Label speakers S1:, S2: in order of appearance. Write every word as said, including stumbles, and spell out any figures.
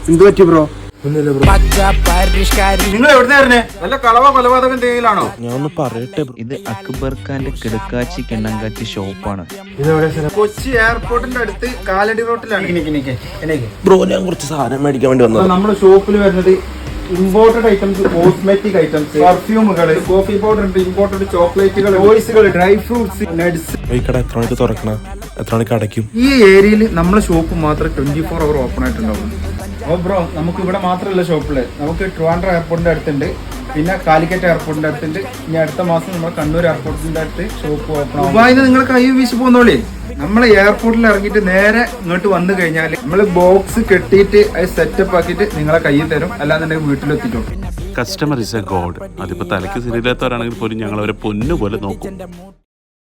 S1: എന്ത് പറ്റി ബ്രോ?
S2: നിങ്ങൾ എവിടുന്നായിരുന്നേ? നല്ല കളവ കൊലപാതകം എന്തെങ്കിലാണോ?
S1: ഞാൻ ഒന്ന് പറയട്ടെ.
S3: ഇത് അക്ബർ ഖാന്റെ കിടക്കാച്ചി കിണ്ണങ്കാച്ചി ഷോപ്പാണ്.
S2: കൊച്ചി എയർപോർട്ടിന്റെ അടുത്ത് കാലടി റോട്ടിലാണ്.
S1: ബ്രോ, ഞാൻ കുറച്ച് സാധനം മേടിക്കാൻ വേണ്ടി വന്നത്.
S2: നമ്മുടെ ഷോപ്പിൽ വരുന്നത് ഇമ്പോർട്ടഡ് ഐറ്റംസ്, കോസ്മെറ്റിക് ഐറ്റംസ്, പെർഫ്യൂമുകൾ, കോഫി പൗഡർ ഉണ്ട്, ഇമ്പോർട്ടഡ് ചോക്ലേറ്റുകൾ, ടോയ്സുകൾ, ഡ്രൈ ഫ്രൂട്ട്സ്, നട്സ്.
S1: ഈ കട എത്ര മണിക്ക് തുറക്കണം, എത്ര മണിക്ക് അടയ്ക്കും?
S2: ഈ ഏരിയയിൽ നമ്മളെ ഷോപ്പ് മാത്രമേ ട്വന്റി ഫോർ അവർ ഓപ്പൺ ആയിട്ടുണ്ടാവുള്ളൂ. ഓ ബ്രോ, നമുക്ക് ഇവിടെ മാത്രമല്ല ഷോപ്പില്, നമുക്ക് ട്രിവാൻഡ്രം എയർപോർട്ടിന്റെ അടുത്തുണ്ട്, പിന്നെ കാലിക്കറ്റ് എയർപോർട്ടിന്റെ അടുത്തുണ്ട്. ഇനി അടുത്ത മാസം നമ്മുടെ കണ്ണൂർ എയർപോർട്ടിന്റെ അടുത്ത് ഷോപ്പ് ഓപ്പൺ ആവും. ദുബായിന്ന് നിങ്ങൾ കൈ വീശി പോകുന്നോളേ. നമ്മളെ എയർപോർട്ടിൽ ഇറങ്ങിയിട്ട് നേരെ ഇങ്ങോട്ട് വന്നു കഴിഞ്ഞാൽ നമ്മൾ ബോക്സ് കെട്ടിയിട്ട് അത് സെറ്റപ്പ് ആക്കിയിട്ട് നിങ്ങളെ കയ്യിൽ തരും, അല്ലാന്നുണ്ടെങ്കിൽ വീട്ടിലെത്തിക്കും.
S4: Customer is a god. അതിപ്പോ തലയ്ക്ക് ശരിയില്ലാത്തവരാണെങ്കിൽ പോലും ഞങ്ങൾ അവരെ പൊന്നു പോലെ നോക്കും.